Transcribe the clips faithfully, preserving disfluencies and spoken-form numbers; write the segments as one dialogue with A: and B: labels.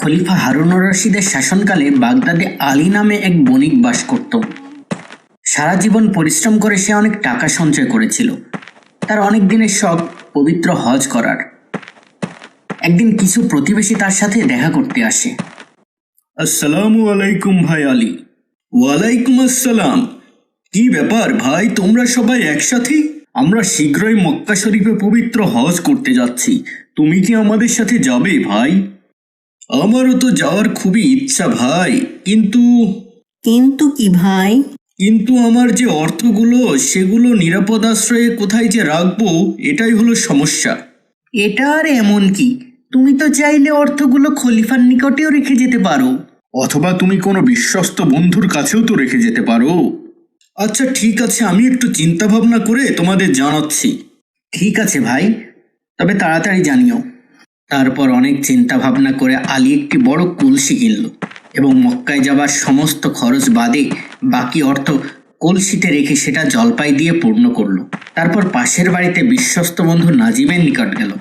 A: খলিফা হারুনুর রশিদের শাসনকালে বাগদাদে আলী নামে এক বণিক বাস করত। সারা জীবন পরিশ্রম করে সে অনেক টাকা সঞ্চয় করেছিল। তার অনেক দিনের শখ পবিত্র হজ করার। একদিন কিছু প্রতিবেশী তার সাথে দেখা করতে আসে। আসসালামু আলাইকুম ভাই আলী। ওয়ালাইকুম আসসালাম। কি ব্যাপার ভাই, তোমরা সবাই একসাথে? আমরা শীঘ্রই মক্কা শরীফে পবিত্র হজ করতে যাচ্ছি, তুমি কি আমাদের সাথে যাবে ভাই? আমারও তো যাওয়ার খুবই ইচ্ছা ভাই, কিন্তু
B: কিন্তু কি ভাই?
A: কিন্তু আমার যে অর্থগুলো সেগুলো নিরাপদ আশ্রয়ে কোথায় যে রাখবো, এটাই হলো সমস্যা। এটা আর এমন কি, তুমি তো চাইলে অর্থগুলো খলিফার নিকটেও রেখে যেতে পারো, অথবা তুমি কোনো বিশ্বস্ত বন্ধুর কাছেও তো রেখে যেতে পারো। আচ্ছা ঠিক আছে, আমি একটু চিন্তা ভাবনা করে তোমাদের জানাচ্ছি। ঠিক আছে ভাই, তবে তাড়াতাড়ি জানিও। তারপর অনেক চিন্তা ভাবনা করে আলী একটি বড় কলসি কিনল এবং মক্কায় যাবার সমস্ত খরচ বাদে বাকি অর্থ কলসিতে রেখে সেটা জলপাই দিয়ে পূর্ণ করলো। তারপর পাশের বাড়িতে বিশ্বস্ত বন্ধু নাজিমের নিকট গেল।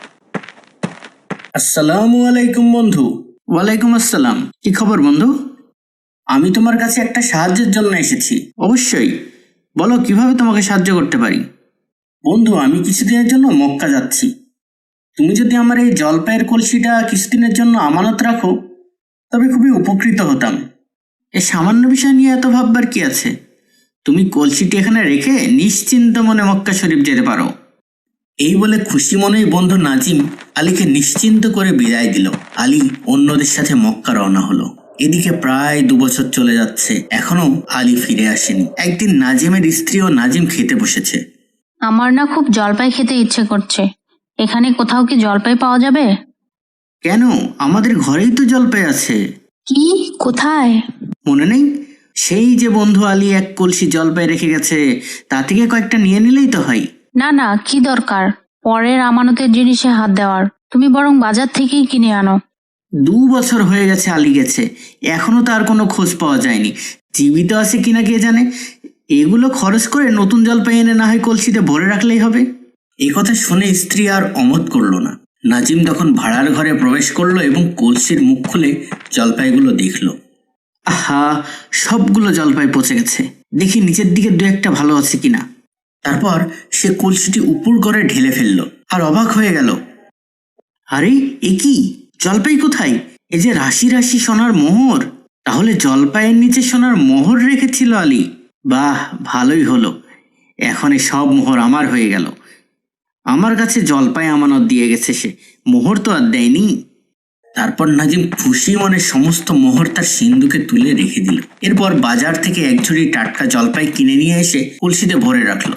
A: আসসালামু আলাইকুম বন্ধু। ওয়ালাইকুম আসসালাম। কি খবর বন্ধু? আমি তোমার কাছে একটা সাহায্যের জন্য এসেছি। অবশ্যই, বলো কিভাবে তোমাকে সাহায্য করতে পারি। বন্ধু, আমি কিছুদিনের জন্য মক্কা যাচ্ছি। তুমি যদি আমার এই জলপাইয়ের কলসিটা কিছুদিনের জন্য আমানত রাখো তবে খুবই উপকৃত হতাম। এ সামান্য বিষয় নিয়ে এত ভাববার কি আছে? তুমি কলসিটি এখানে রেখে নিশ্চিন্ত মনে মক্কা শরীফ যেতে পারো। এই বলে খুশি মনেই বন্ধু নাজিম আলীকে নিশ্চিন্ত করে বিদায় দিল। আলী অন্যদের সাথে মক্কা রওনা হলো। এদিকে প্রায় দু বছর চলে যাচ্ছে, এখনো আলী ফিরে আসেনি। একদিন নাজিমের স্ত্রী ও নাজিম খেতে বসেছে।
C: আমার না খুব জলপাই খেতে ইচ্ছে করছে, এখানে কোথাও কি জলপাই পাওয়া যাবে?
A: কেন, আমাদের ঘরেই তো জলপাই আছে।
C: কি? কোথায়?
A: মনে নেই? সেই যে বন্ধু আলী এক কলসি জলপাই রেখে গেছে, তা থেকে কয়েকটা নিয়ে নিলেই তো হয়।
C: না না, কি দরকার পরের আমানতের জিনিসে হাত দেওয়ার? তুমি বরং বাজার থেকেই কিনে আনো।
A: দু বছর হয়ে গেছে আলী গেছে, এখনো তার কোনো খোঁজ পাওয়া যায়নি। জীবিত আছে কিনা কে জানে। এগুলো খরচ করে নতুন জলপাই এনে না হয় কলসিতে ভরে রাখলেই হবে। এই কথা শুনে স্ত্রী আর অমত করলো না। নাজিম তখন ভাড়ার ঘরে প্রবেশ করলো এবং কলসির মুখ খুলে জলপাইগুলো দেখলো। আহা, সবগুলো জলপাই পচে গেছে। দেখি নিচের দিকে দু একটা ভালো আছে কিনা। তারপর সে কলসিটি উপর করে ঢেলে ফেললো আর অবাক হয়ে গেল। আরে এ কি, জলপাই কোথায়? এ যে রাশি রাশি সোনার মোহর। তাহলে জলপাইয়ের নিচে সোনার মোহর রেখেছিল আলী। বাহ, ভালোই হলো, এখন এই সব মোহর আমার হয়ে গেল। আমার কাছে জলপাই আমানত দিয়ে গেছে সে, মোহর তো আর দেয়নি। তারপর নাজিম খুশি মনে সমস্ত মোহর তার সিন্ধুকে তুলে রেখে দিল। এরপর বাজার থেকে এক ঝুড়ি টাটকা জলপাই কিনে নিয়ে এসে কলসিতে ভরে রাখলো।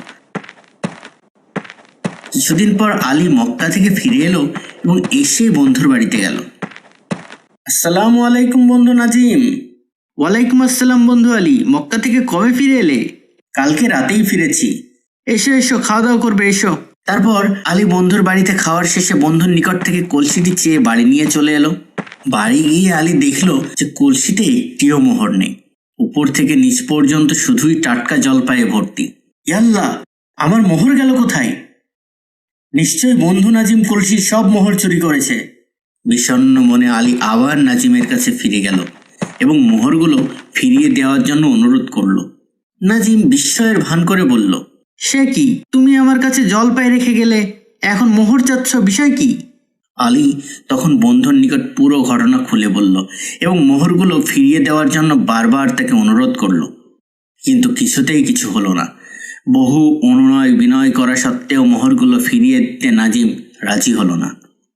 A: কিছুদিন পর আলী মক্কা থেকে ফিরে এলো এবং এসে বন্ধুর বাড়িতে গেল। আসসালামু আলাইকুম বন্ধু নাজিম। ওয়ালাইকুম আসসালাম বন্ধু আলী, মক্কা থেকে কবে ফিরে এলে? কালকে রাতেই ফিরেছি। এসো এসো, খাওয়া দাওয়া করবে, এসো। তারপর আলী বন্ধুর বাড়িতে খাওয়ার শেষে বন্ধুর নিকট থেকে কলসিটি চেয়ে বাড়ি নিয়ে চলে এলো। বাড়ি গিয়ে আলী দেখলো যে কলসিতে একটিও মোহর নেই। উপর থেকে নিচ পর্যন্ত শুধুই টাটকা জলপাইয়ে ভর্তি। ইয়াল্লাহ, আমার মোহর গেল কোথায়? নিশ্চয় বন্ধু নাজিম কলসির সব মোহর চুরি করেছে। বিষণ্ণ মনে আলী আবার নাজিমের কাছে ফিরে গেল এবং মোহরগুলো ফিরিয়ে দেওয়ার জন্য অনুরোধ করলো। নাজিম বিস্ময়ের ভান করে বলল, সে কি, তুমি আমার কাছে জলপাই রেখে গেলে, এখন মোহর চাচ্ছ, বিষয় কি? আলী তখন বন্ধুর নিকট পুরো ঘটনা খুলে বলল এবং মোহরগুলো ফিরিয়ে দেওয়ার জন্য বারবার তাকে অনুরোধ করলো। কিন্তু কিছুতেই কিছু হলো না। বহু অনুনয় বিনয় করা সত্ত্বেও মোহরগুলো ফিরিয়ে দিতে নাজিম রাজি হলো না।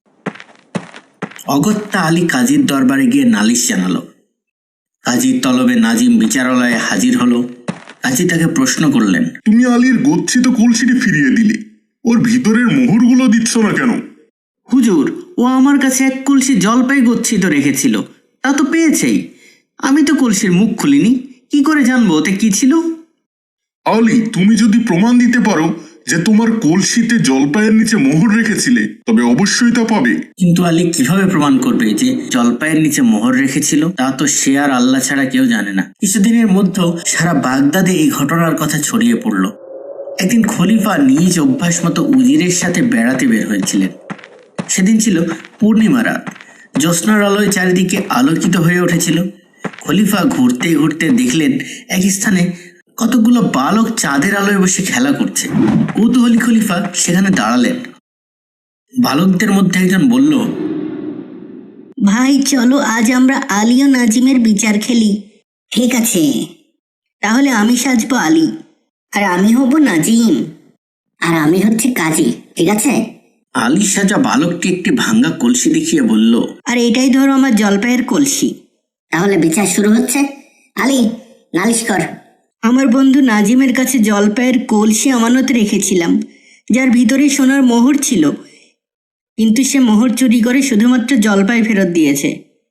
A: অগত্যা আলী কাজীর দরবারে গিয়ে নালিশ জানালো। কাজীর তলবে নাজিম বিচারালয়ে হাজির হলো। কাজী তাকে প্রশ্ন করলেন,
D: তুমি আলীর গচ্ছিত কলসিটি ফিরিয়ে দিলে, ওর ভিতরের মোহরগুলো দিচ্ছ না কেন?
A: হুজুর, ও আমার কাছে এক কলসি জলপাই গচ্ছিত রেখেছিল, তা তো পেয়েছেই। আমি তো কলসির মুখ খুলিনি, কি করে জানবো ওতে কি ছিল?
D: আলী, তুমি যদি প্রমাণ দিতে পারো যে তোমার কলসিতে জলপাইয়ের নিচে মোহর রেখেছিলে, তবে অবশ্যই তা পাবে।
A: কিন্তু আলী কিভাবে প্রমাণ করবে যে জলপাইয়ের নিচে মোহর রেখেছিল? তা তো সে আর আল্লাহ ছাড়া কেউ জানে না। কিছুদিনের মধ্যে সারা বাগদাদে এই ঘটনার কথা ছড়িয়ে পড়ল। একদিন খলিফা নিজ অভ্যাস মতো উজিরের সাথে বেড়াতে বের হয়েছিলেন। সেদিন ছিল পূর্ণিমা রাত। জ্যোৎস্নার আলোয় চারিদিকে আলোকিত হয়ে উঠেছিল। খলিফা ঘুরতে ঘুরতে দেখলেন এক স্থানে কতগুলো বালক চাঁদের আলোয় বসে খেলা করছে। কৌতূহলী খলিফা সেখানে দাঁড়ালেন। বালকদের মধ্যে একজন বলল,
B: ভাই চলো আজ আমরা আলী ও নাজিমের বিচার খেলি। ঠিক আছে, তাহলে আমি সাজবো আলী, আর আমি হব নাজিম, আর আমি হচ্ছে কাজী। ঠিক আছে?
A: আলী সাজা বালকটি একটি ভাঙ্গা কলসি দেখিয়ে বলল,
B: আর এটাই ধরো আমার জলপাইয়ের কলসি।
E: তাহলে বিচার শুরু হচ্ছে। আলী, নালিশ কর।
B: আমার বন্ধু নাজিমের কাছে জলপাইয়ের কলসি আমানত রেখেছিলাম, যার ভিতরে সোনার মোহর ছিল, কিন্তু সে মোহর চুরি করে শুধুমাত্র জলপাই ফেরত দিয়েছে।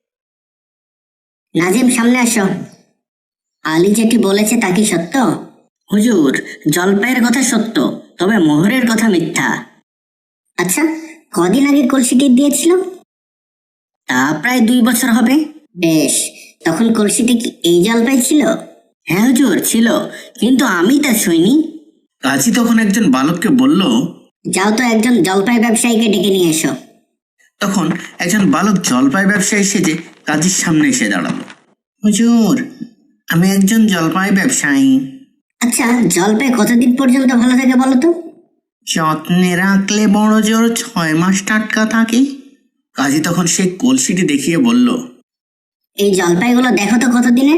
E: নাজিম, সামনে আসো। আলী যেটি বলেছে তা কি সত্য?
B: হুজুর, জলপাইয়ের কথা সত্য, তবে মোহরের কথা মিথ্যা।
E: আচ্ছা, কদিন আগে কলসিটি দিয়েছিল?
B: তা প্রায় দুই বছর হবে।
E: বেশ, তখন কলসিটি কি এই জলপাই ছিল?
B: হ্যাঁ হুজুর, ছিল, কিন্তু আমি তা ছুঁইনি।
A: কাজী তখন একজন বালককে বলল,
E: যাও তো একজন জলপাই ব্যবসায়ীকে ডেকে নিয়ে এসো।
A: তখন একজন বালক জলপাই ব্যবসায়ী সেজে কাজীর সামনে এসে দাঁড়ালো। হুজুর, আমি একজন জলপাই ব্যবসায়ী।
E: আচ্ছা, জলপাই কতদিন পর্যন্ত ভালো থাকে বলো তো?
A: যত্নে রাখলে বড় জোর ছয় মাস টাটকা থাকে। কাজী তখন সেই কলসিটি দেখিয়ে বলল,
E: এই জলপাইগুলো দেখো তো কতদিনের।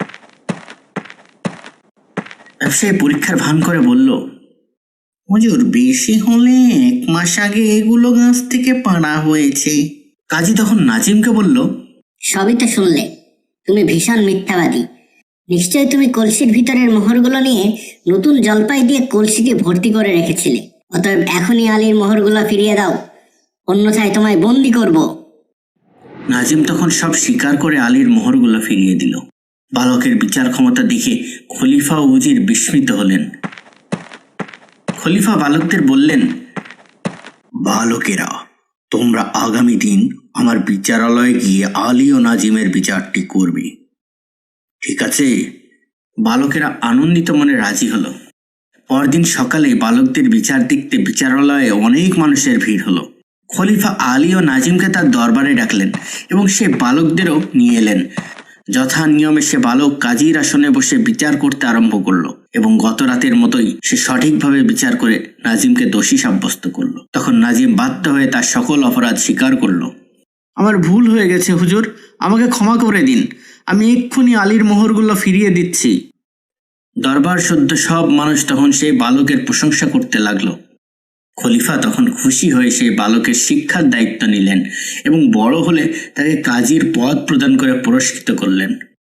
A: ব্যবসায়ী পরীক্ষার ভান করে বলল, হুজুর, বেশি হলে এক মাস আগে এগুলো গাছ থেকে পাড়া হয়েছে। কাজী তখন নাজিমকে বলল,
E: সবই তো শুনলে, তুমি ভীষণ মিথ্যাবাদী। নিশ্চয়ই তুমি কলসির ভিতরের মোহরগুলো নিয়ে নতুন জলপাই দিয়ে কলসিটি ভর্তি করে রেখেছিলে। অতএব এখনই আলীর মোহরগুলো ফিরিয়ে দাও, অন্যথায় তোমায় বন্দি করব।
A: নাজিম তখন সব স্বীকার করে আলীর মোহরগুলো ফিরিয়ে দিল। বালকের বিচার ক্ষমতা দেখে খলিফা ও উজির বিস্মিত হলেন। খলিফা বালকদের বললেন, বালকেরা, তোমরা আগামী দিন আমার বিচারালয়ে গিয়ে আলী ও নাজিমের বিচারটি করবে। ঠিক আছে? বালকেরা আনন্দিত মনে রাজি হলো। পরদিন সকালে বালকদের বিচার দেখতে বিচারালয়ে অনেক মানুষের ভিড় হলো। খলিফা আলী ও নাজিমকে তার দরবারে ডাকলেন এবং সে বালকদেরও নিয়ে এলেন। যথা নিয়মে সে বালক কাজীর আসনে বসে বিচার করতে আরম্ভ করলো এবং গত রাতের মতোই সে সঠিকভাবে বিচার করে নাজিমকে দোষী সাব্যস্ত করলো। তখন নাজিম বাধ্য হয়ে তার সকল অপরাধ স্বীকার করলো। আমার ভুল হয়ে গেছে হুজুর, আমাকে ক্ষমা করে দিন, আমি এক্ষুনি আলীর মোহরগুলো ফিরিয়ে দিচ্ছি। দরবার সদ্য সব মানুষ তখন সেই বালকের প্রশংসা করতে লাগলো। খলিফা তখন খুশি হয়ে সেই বালকের শিক্ষার দায়িত্ব নিলেন এবং বড় হলে তাকে কাজীর পদ প্রদান করে পুরস্কৃত করলেন।